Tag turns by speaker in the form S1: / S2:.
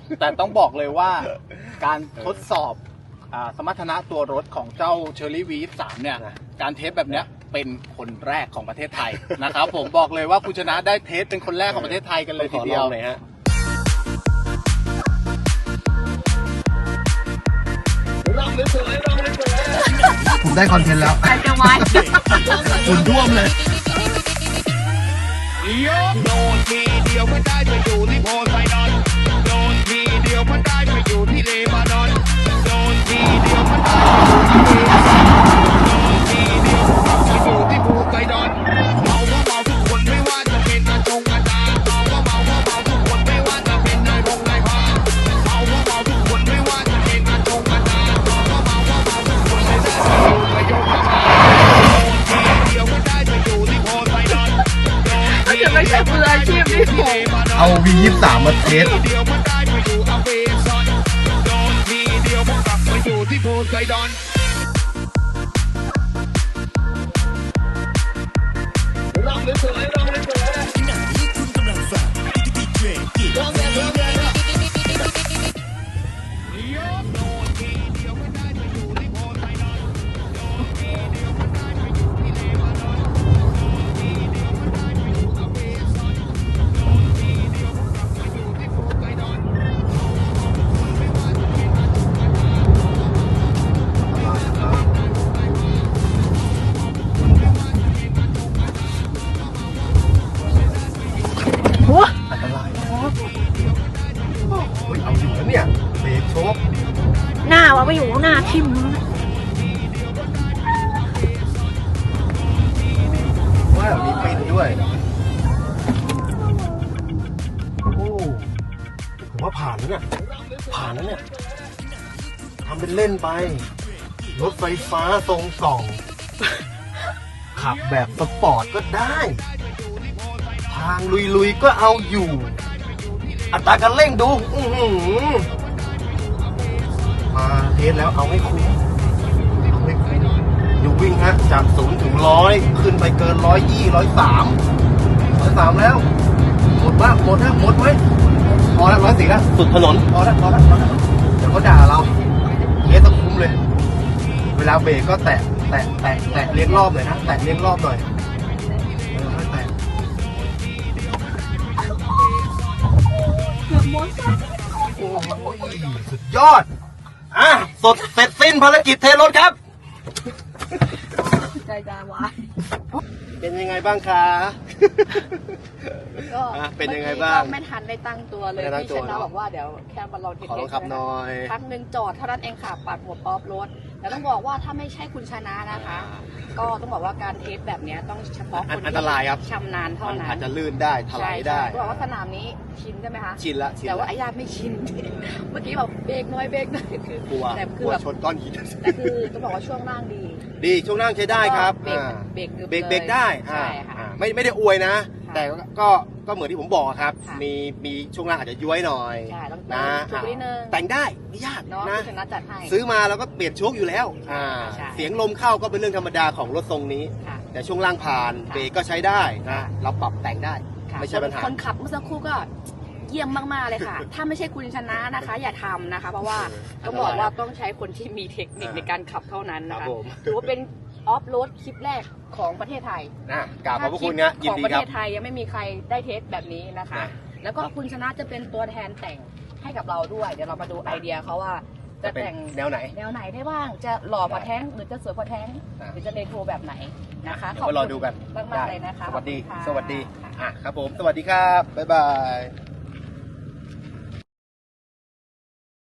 S1: แต่ต้องบอกเลยว่าการทดสอบสมรรถนะตัวรถของเจ้า Cherry V23 เนี่ยการเทสแบบเนี้ยเป็นคนแรกของประเทศไทยนะครับผมบอกเลยว่าคุณชนะได้เทสเป็นคนแรกของประเทศไทยกันเลยทีเดียวเลยฮะ
S2: ผมได้คอนเทนต์แล้ว
S3: ใครจะไว้
S2: คุณท่วมเลย
S4: โดนทีเดียวก็ได้ไปอยู่ที่โพไซดอนโดนทีเดียวก็ได้ไปอยู่ที่เลบานอนโดนทีเดียวก็ได้ไปอยู่ที่เลบานอนโดนทีเดียวไปอยู่ที่โพไซดอนเมาก็เมาทุกคนไม่ว่าจะเป็นอาจงอาจารย์เมาก็เมาทุกคนไม่ว่าจะเป็นนายพงนายพาเมาก็เมาทุกคนไม่ว่าจะเป็นอาจงอาจารย์เมาก็เมาทุกคนไม่ได้ไปอยู่ประโยชน์มาโดนทีเดียวก็ได้ไปอยู่ที่โพไซดอน
S3: จะไม่ใช่มืออาชีพนี่ผม
S2: เอา V23 มาเทส
S4: เดียวมันได้ไปอยู่อเมซอนโดนทีเดียวมันกลับมาอยู่ที่โพไซดอนลองเลยสวยลองเลยสวยขณะนี้คุณกำลังฟังดีเจกิลองเลยลองเลยโดนทีเดียวมันได้ไปอยู่ที่โพไซดอนโดนทีเดียวมันได้ไปอยู่ที่เลบานอนโดนทีเดียวมันได้ไปอยู่อเมซอนโดนทีเดียวมันกลับมาอยู่ที่โพไซดอนไม่ว่าจะเป็นอาจงอาจารย์
S2: อันตรายเฮ้ยเอาอยู่แล้วเนี่ยเบรกโชก
S3: หน้าวะไปอยู่หน้าทิ่ม
S2: ว่ามีปินด้วยโอ้ผมว่าผ่านแล้วเนี่ยผ่านแล้วเนี่ยทำเป็นเล่นไปรถไฟฟ้าทรงส่องขับแบบสปอร์ตก็ได้ทางลุยๆก็เอาอยู่อัตราการเร่งดูมาเทสแล้วเอาให้คุ้มเอาให้คุ้มอยู่วิ่งฮะจาก0 ถึง 100ขึ้นไปเกิน120 103แล้วหมดบ้างหมดนะหมดไหมพอแล้ว104แล้วสุดถนนพอแล้วเดี๋ยวเขาด่าเราเทสต้องคุ้มเลยเวลาเบรกก็แตะเลี้ยงรอบหน่อยนะแตะเลี้ยงรอบหน่อยค่อยแตะโอ้ยสุดยอดสดเสร็จสิ้นภารกิจเทรถครับ
S3: ใจจะวาย
S2: เป็นยังไงบ้างคะ
S3: ก็
S2: เป็นยังไงบ้าง
S3: ไม่ทันได้ตั้งตัวเลย
S2: ไม่ได้ตั้ง
S3: พี่
S2: ตัว
S3: ชนะบอกว่าเดี๋ยวแค่มาลองเทส
S2: ขอลองขับหน่อย
S3: ครั้งหนึ่งจอดเท่านั้นเองค่ะปัดหัวป๊อปรถแล้วต้องบอกว่าถ้าไม่ใช่คุณชนะนะคะ ก็ต้องบอกว่าการเทสแบบนี้ต้องเฉพาะคน
S2: อัน
S3: ที่
S2: ตรายครับ
S3: ชำนาญเท่า
S2: มัน
S3: นั้น
S2: อาจจะลื่นได้ถลายได้
S3: ใช่ต้องบอกว่าสนามนี้ชินใช่ไหมคะ
S2: ชินละ
S3: แต่ว่าไอ้ญาติไม่ชิน เมื่อกี้แบบเบรกน้อยคือก
S2: ลัว
S3: แต่
S2: ก
S3: คื
S2: ลั
S3: อ
S2: ว
S3: แบบ
S2: ชนก้อนหิน
S3: แต่คือต้องบอกว่าช่วงล่างดี
S2: ดีช่วงล่างใช้ได้ครับ
S3: เบรก
S2: เบรก
S3: เลย
S2: เบรกได้
S3: ใช่ค่ะ
S2: ไม่ได้อวยนะ
S3: ค่ะ
S2: แต่ก็เหมือนที่ผมบอกครับ
S3: ค่ะ
S2: มีช่วงล่างอาจจะย้วยหน่อย
S3: ใช่ต้อง
S2: นะ
S3: ถูกนิดนึง
S2: แต่งได้ไม่ยาก
S3: เนาะ
S2: นะ
S3: คุณชนะจัดให้
S2: ซื้อมาแล้วก็เปลี่ยนโชคอยู่แล้ว
S3: ใช่
S2: เสียงลมเข้าก็เป็นเรื่องธรรมดาของรถทรงนี้
S3: ค่ะ
S2: แต่ช่วงล่างผ่าน
S3: ค่ะ
S2: เบรกก็ใช้ได้
S3: ค่ะ
S2: นะเราปรับแต่งได้
S3: ค่ะ
S2: ไม่ใช่ปัญหา
S3: คนขับเมื่อสักครู่ก็เยี่ยมมากๆเลยค่ะ ถ้าไม่ใช่คุณชนะนะคะ อย่าทำนะคะ เพราะว่าต้องบอกว่าต้องใช้คนที่มีเทคนิคในการขับเท่านั้นนะ
S2: ครั
S3: คะ
S2: บผม
S3: ถือว่าเป็นออฟโรดคลิปแรกของประเทศไทย
S2: นะกราบขอบพระคุณนะยิ
S3: ข
S2: น
S3: อง
S2: ดี
S3: ประ
S2: ค
S3: เท
S2: รับ
S3: ศไทยยังไม่มีใครได้เทสแบบนี้นะคะ
S2: นะ
S3: แล้วก็คุณชนะจะเป็นตัวแทนแต่งให้กับเราด้วย เดี๋ยวเรามาดูไอเดียเขาว่าจะแต่ง
S2: แนวไหน
S3: แนวไหนได้บ้าง จะหล่อกว่าแท้งหรือจะสวยกว่าแท้ง
S2: อ่ะ
S3: หรือจะเรโทรแบบไหนนะคะ
S2: เดี๋ยวมารอดูกัน
S3: มากๆเลยนะคะ
S2: สวัสดี
S3: ขอบคุณค่ะ
S2: สวัสดี
S3: ค่ะ
S2: ครับผมสวัสดีครับบ๊ายบาย